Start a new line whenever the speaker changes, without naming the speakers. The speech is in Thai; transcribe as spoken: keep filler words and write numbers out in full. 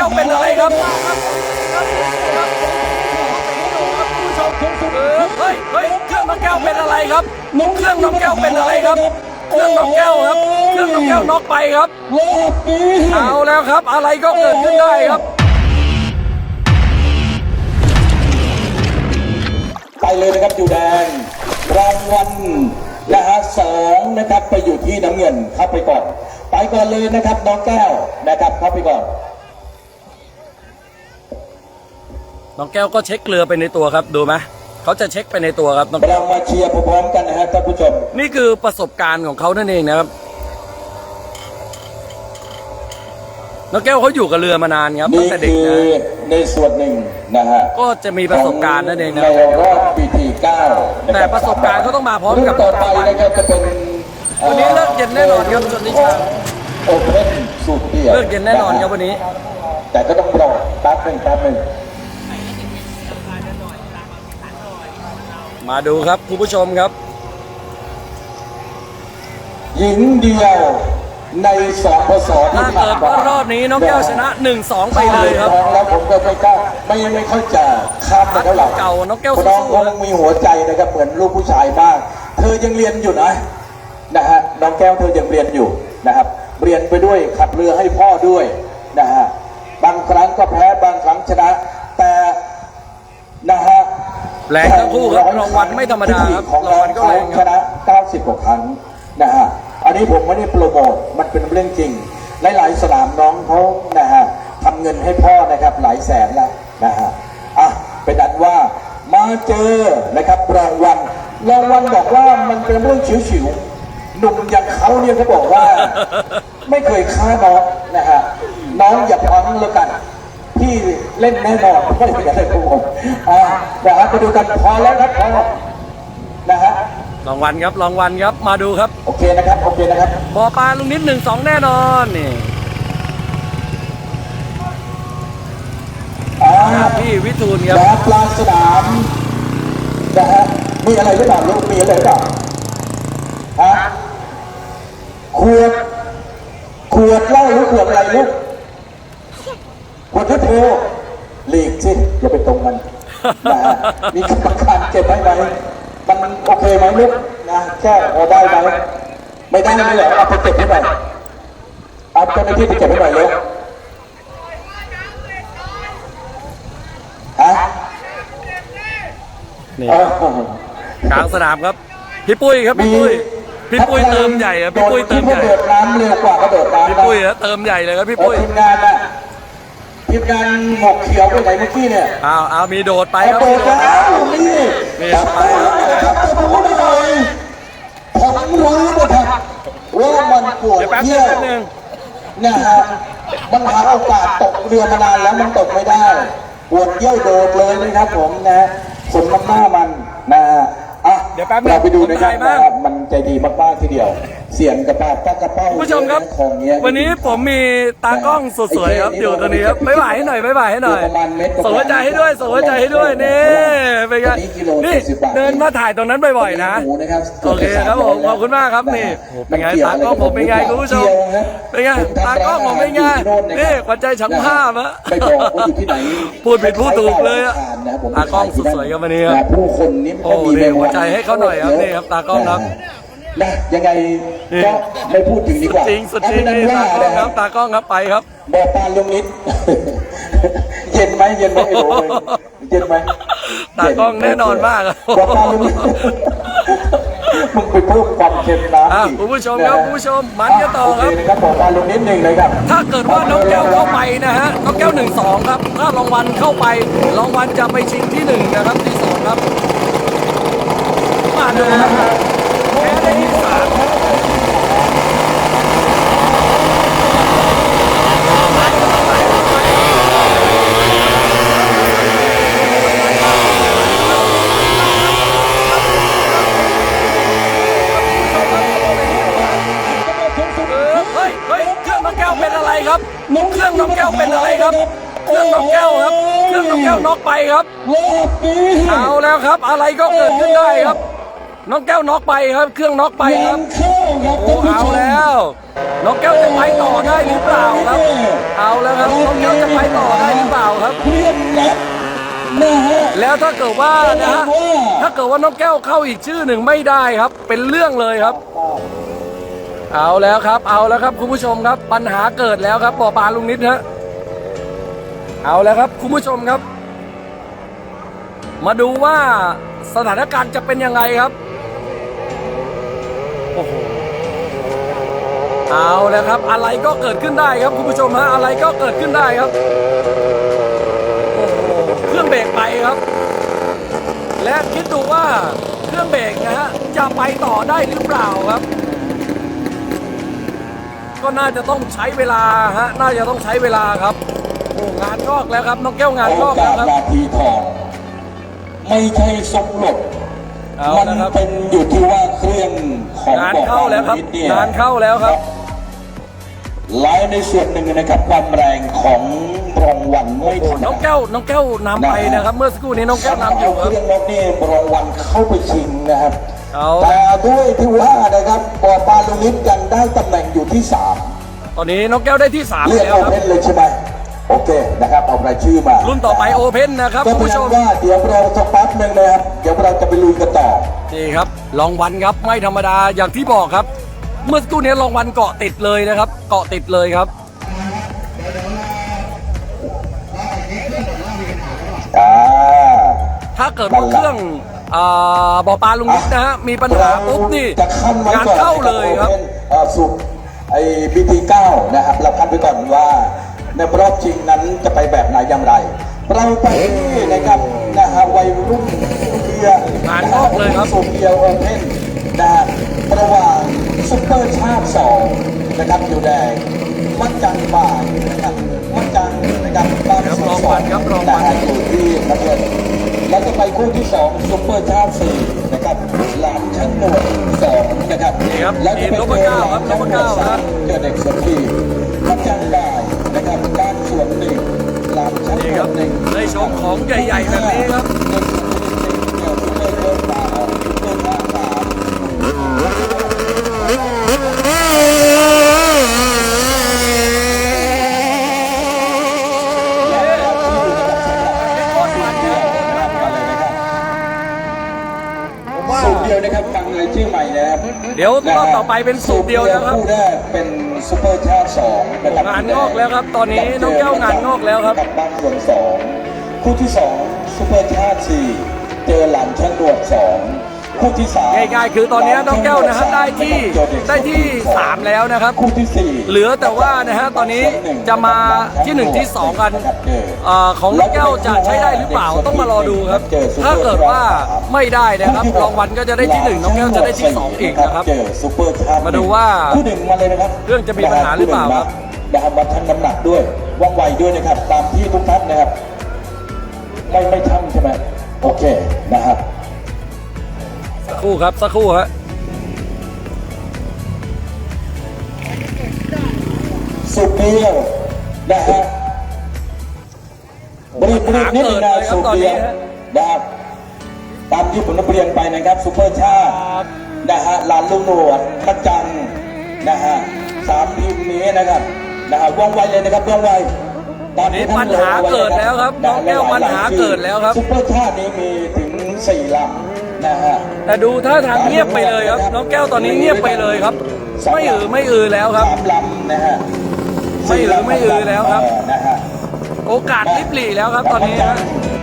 วเป็นอะไรครับเฮ้ยเฮ้ยเครื่องน้องแก้วเป็นอะไรครับเครื่องน้องแก้วเป็นอะไรครับเครื่องน้องแก้วครับเครื่องน้องแก้วน็อกไปครับเอาแล้วครับอะไรก็เกิดขึ้นได้ครับ
ไปเลยนะครับอยู่แดงรางวัลนะฮะสองนะครับไปอยู่ที่น้ำเงินเข้าไปก่อนไปก่อนเลยนะครับน้องแก้วนะครับเข้าไปก่อน
น้องแก้วก็เช็คเกลือไปในตัวครับดูไหมเขาจะเช็คไปในตัวครับ
เรามาเชียร์พร้อมๆกันนะฮะท่านผู้ชม
นี่คือประสบการณ์ของเขานั่นเองนะครับน้องแก้วเขาอยู่กับเรือมานานครับตั้งแต่เด็กนะ
ในส่วนหนึ่งนะฮะ
ก็จะมีประสบการณ์นั่นเองนะ
ในรอบปีที่เก้า
แต่ประสบการณ์เขาต้องมาพร้อมกับ
ต่อไปนะครับจะเป็น
วันนี้เลิกเย็นแน่นอนครับชนนิชา
โอเพ่นสุดเดี่ยว
เลิกเย็นแน่นอนครับวันนี้
แต่ก็ต้องรอแป๊บหนึ่งแป๊บหนึ่ง
มาดูครับคุณผู้ชมครับ
หญิงเดียวในสองพศ
ถ้าเกิดว่ารอบนี้น้องแก้วชนะ หนึ่งสอง ไปเลยครับ
แล้วผมก็ไม่กล้าไม่ไม่เข้าใจข้ามไปเท่าไหร่
เก่าน้องแก้ว
น้องคงมีหัวใจนะครับเหมือนลูกผู้ชายมากเธอยังเรียนอยู่นะนะฮะน้องแก้วเธอยังเรียนอยู่นะครับเรียนไปด้วยขับเรือให้พ่อด้วยนะฮะบางครั้งก็แพ้บางครั้งชนะแต่นะฮะ
แรงทั้งคู่ครับรางวัลไม่ธรรมดาครับ
ของเราเขาชนะเก้าสิบกว่าครั้งนะฮะอันนี้ผมไม่ได้โปรโมทมันเป็นเรื่องจริงหลายๆสนามน้องเขานะฮะทำเงินให้พ่อนะครับหลายแสนแล้วนะฮะอ่ะเป็นอันว่ามาเจอนะครับรางวัลรางวัลบอกว่ามันเป็นเรื่องฉิวๆหนุ่มอย่างเขาเนี่ยเขาบอกว่าไม่เคยฆ่าน้องนะฮะน้องอย่าพังแล้วกันที่เล่นแน่นอนไม่เป็นอะไรครับผมอ่านะฮะไปดูกันพอแล้วครับพอนะฮะ
รางวัลครับรางวัลครับมาดูครับ
โอเคนะครับโอเคนะครับ
บอปลาลุงนิดหนึ่งสองแน่นอนนี่พี่วิทูลครับ
ปลาสนามนะฮะมีอะไรหรือเปล่าลูกมีอะไรหรือเปล่าฮะขวดขวดเหล้าหรือขวดอะไรลูกขวดที่โพหลีกสิอย่าไปตรงมันนะฮะมีกรรมการเก็บไว้ไหมมันโอเคไหมลูกนะแค่พอได้ไหมไม่ได้ไม่เหรอเอาไปเก็บให้หน่อยเอาเจ้าหน้าที่ไปเก็บให้หน่อยเร็วฮะ
นี่กลางสนามครับพี่ปุ้ยครับพี่ปุ้ยพี่ปุ้ยเติมใหญ่อะพี่ปุ้ยเติมใหญ่
โดดน้ำเร็วกว่ากระโดดน้ำ
พี่ปุ้ยอะเติมใหญ่เลยครับพี่ปุ้ย
ทีมงานอะทีมงานหมกเขียวไปไหนเมื่อกี้เนี่ย
อ้าวอ้าวมีโดดไปครับ
โดดแล้วนี่
นี่
ไปครับจะพูดหน่อยผมรู้นะครับว่ามันปวดเที่ยวนะฮะมันหาโอกาสตกเรือมานานแล้วมันตกไม่ได้ปวดเยี่ยวโดดเลยนะครับผมนะสมน้ำหน้ามันนะฮะอ่ะ
เดี๋ยวแป๊บนึง
เราไปดูนะครับมันใจดีมากๆทีเดียวเสียงกระปาปากระเป้า
ผู้ชมครับวันนี้ผมมีตากล้องสวยๆครับอยู่ตรงนี้ครับบ๊ายบายให้หน่อยบ๊ายบายให้หน่อยส่งหัวใจให้ด้วยส่งหัวใจให้ด้วยนี่เป็นไงนี่เดินมาถ่ายตรงนั้นบ่อยๆนะโอเคครับผมขอบคุณมากครับนี่เป็นไงตากล้องผมเป็นไงคุณผู้ชมเป็นไงตากล้องผมเป็นไงนี่ขวัญใจช่างภาพอะพูดผิดพูดถูกเลยอะตากล้องสวยๆกันวันนี้ครับโอ้นี่หัวใจให้เขาหน่อยครับนี่ครับตากล้องครับ
นะยังไงก็ไม่พูดถึงดีกว่า
จริงสุดจริงนี่ตากล้องครับตากล้องครับไปครับ
บอกปานลุงนิดเย็นไหมเย็นไหมไอ้โหเย็นไหม
ตากล้องแน่นอนมาก
บอกปานลุงนิดมึงไปพูดความเค็มนะ
คุณผู้ชมครับคุณผู้ชมมันกันต่อครับ
ครับบอกปานลุงนิดหนึ่งเลยครับ
ถ้าเกิดว่าน้องแก้วเข้าไปนะฮะน้องแก้วหนึ่งสองครับถ้ารางวัลเข้าไปรางวัลจะไปชิงที่หนึ่งนะครับที่สองครับมาดูนะครับแพ้ได้ที่สามครับเฮ้ยเฮ้ยเครื่องน้องแก้วเป็นอะไรครับเครื่องน้องแก้วเป็นอะไรครับเครื่องน้องแก้วครับเครื่องน้องแก้วน็อกไปครับเอาแล้วครับอะไรก็เกิดขึ้นได้ครับน้องแก้วน็อกไปครับเครื่องน็อกไปครับ
ครับ
โอ้
ท่านผู้ชม
เอาแล้วน้องแก้วจะไปต่อได้หรือเปล่าครับ เอาแล้วครับน้องแก้วจะไปต่อได้หรือเปล่าครับ
เครียดแล็บนะฮะ
แล้วถ้าเกิดว่านะฮะ
ว่า
ถ้าเกิดว่าน้องแก้วเข้าอีกชื่อหนึ่งไม่ได้ครับ เป็นเรื่องเลยครับ เอาแล้วครับ เอาแล้วครับคุณผู้ชมครับ ปัญหาเกิดแล้วครับบ่อปลาลุงนิดฮะเอาแล้วครับคุณผู้ชมครับ มาดูว่าสถานการณ์จะเป็นยังไงครับโอ้โหเอาแล้วครับ อะไรก็เกิดขึ้นได้ครับคุณผู้ชมฮะอะไรก็เกิดขึ้นได้ครับโอ้โหเครื่องเบรกไปครับ และคิดดูว่าเครื่องเบรกนะฮะจะไปต่อได้หรือเปล่าครับ ก็น่าจะต้องใช้เวลาฮะน่าจะต้องใช้เวลาครับโอ้งานงอกแล้วครับน้องแก้วงาน
โอง
อก
กา
แล้วครับ
สนาทีทองไม่ใช่สมหลบ
เอา
มัน
นะครับ
เป็นอยู่ที่ว่าเครื่องของ
งาน
บ่อ
เข้าแล้วครับ
นิดเนี่ย
งานเข้าแล้วครับ
ไลน์ในส่วนหนึ่งนะครับความแรงของรางวัลไม่ธรรม
น้อง
ดา
แก้วน้องแก้วนำไปนะครับ เมื่อสักครู่นี้น้องแก้วนำอยู่ครับ
เครื่องนกนี่รางวัลเข้าไปชิงนะครับ
เอา
แต่ด้วยที่ว่านะครับบ่อปลาลูกนิดยังได้ตำแหน่งอยู่ที่สาม
ตอนนี้น้องแก้วได้ที่สาม
เรียก
แล้ว
โอ
ครับ
เพนเลยใช่ไหมโอเคนะครับเอารายชื่อมา
รุ่นต่อไปโอเพ่นนะครับ
ก็
คุณ
เป็น
ผู้ชม
ว่าเดี๋ยวเราสักแป๊บหนึ่งนะครับเดี๋ยวเราจะไปลุยกันต่อ
นี่ครับรางวัลครับไม่ธรรมดาอย่างที่บอกครับ เมื่อสักครู่นี้รางวัลเกาะติดเลยนะครับ เกาะติดเลยครับ
อ่า
ถ้าเกิดว่าเครื่องอ่าบ่อปลาลุงนิดนะฮะมีปัญหาปุ๊บนี่
จะขั้นไว้
งาน
ก่อน
เข้าเลยครับ
เอ่อสุดไอ้บีทีเก้านะครับเราขั้นไปก่อนว่าในรอบชิงนั้นจะไปแบบไหนอย่างไร เราไปที่นะครับนะฮะวัยรุ่นเบียร์
งานงอกเลยครับ
สุดเบียร์โอเพนนะฮะระหว่างซุปเปอร์ชาติสองนะครับอยู่แดงมัดจังบ่ายนะครับมัดจังนะครับบ้าน
ครับ
ส
รางวัลครับรางวัล
นะฮะอยู่ที่น้ำเงิน แล้วจะไปคู่ที่สองซุปเปอร์ชาติสี่นะครับหลานชั้นหนวดสองนะครับ
นี่ครับ
แล้วจะไป
ทีมนพเก้าครับนพเก้าครับ
เจอเด็กสวนทีพัจังได้นะครับด้านสวนหนึ่งหลานชั้น
นี่
หน
คว รับ
ดหนึ่ง
ได้ชมของใหญ่ๆแบบนี้ครับ
เด็กสวนทีหนึ่งเจอซุปเปอร์เบอร์สามซุปเปอร์ชาติสามสูตรเดียวนะครับฟังเลยชื่อใหม่นะครับ
เดี๋ยวรอบต่อไปเป็นสูตรเดียวนะครับ
คู่แรกเป็นซุปเปอร์ชาติสองนะครับ
งานงอกแล้วครับตอนนี้น้องแก้วงานงอกแล้วครับ
กับบ้านส่วนสองคู่ที่สองซุปเปอร์ชาติสี่เจอหลานช่างดวดสองคู่ที่สาม
ง่ายๆคือตอนนี้น้องแก้วนะฮะได้ที่ได้ที่สามแล้วนะครับ
คู่ที่สี่
เหลือแต่ว่านะฮะตอนนี้จะมาที่หนึ่งที่สองกัน เอ่อของน้องแก้วจะใช้ได้หรือเปล่าต้องมารอดูครับ ถ้าเกิดว่าไม่ได้นะครับรางวัลก็จะได้ที่หนึ่งน้องแก้วจะได้ที่สองอีกนะครับ
เจอซุปเปอร์ชาติ
มาดูว่า
คู่หนึ่งมาเลยนะครับ
เรื่องจะมีปัญหาหรือเปล่าครับ
นะครับวัดทั้งน้ำหนักด้วยว่องไวด้วยนะครับ ตามที่ทุกท่านนะครับ ไม่ไม่ทั้งใช่ไหมโอเคนะครับ
สักครู่ครับสักครู่ฮะ
สุดเดียวนะฮะบริบริบนิดนึงนะสุดเดียวนะครับตามที่ผมได้เรียนไปนะครับซุปเปอร์ชาตินะฮะลานลุงหนวดพระจันทร์นะฮะสามทีมนี้นะครับนะฮะว่องไวเลยนะครับว่องไวตอนนี้
นี่ปัญหาเกิดแล้วครับน้องแก้วปัญหาเกิดแล้วครับ
ซุปเปอร์ชาตินี้มีถึงสี่ลำนะฮะ
แต่ดูท่าทางเงียบไปเลยครับน้องแก้วตอนนี้เงียบไปเลยครับ ไม่อือไม่อือแล้วครับ
สามลำนะฮะ
ไม่อือไม่อือแล้วครับ
นะฮะ
โอกาสลิบหลีแล้วครับตอนนี้ฮะ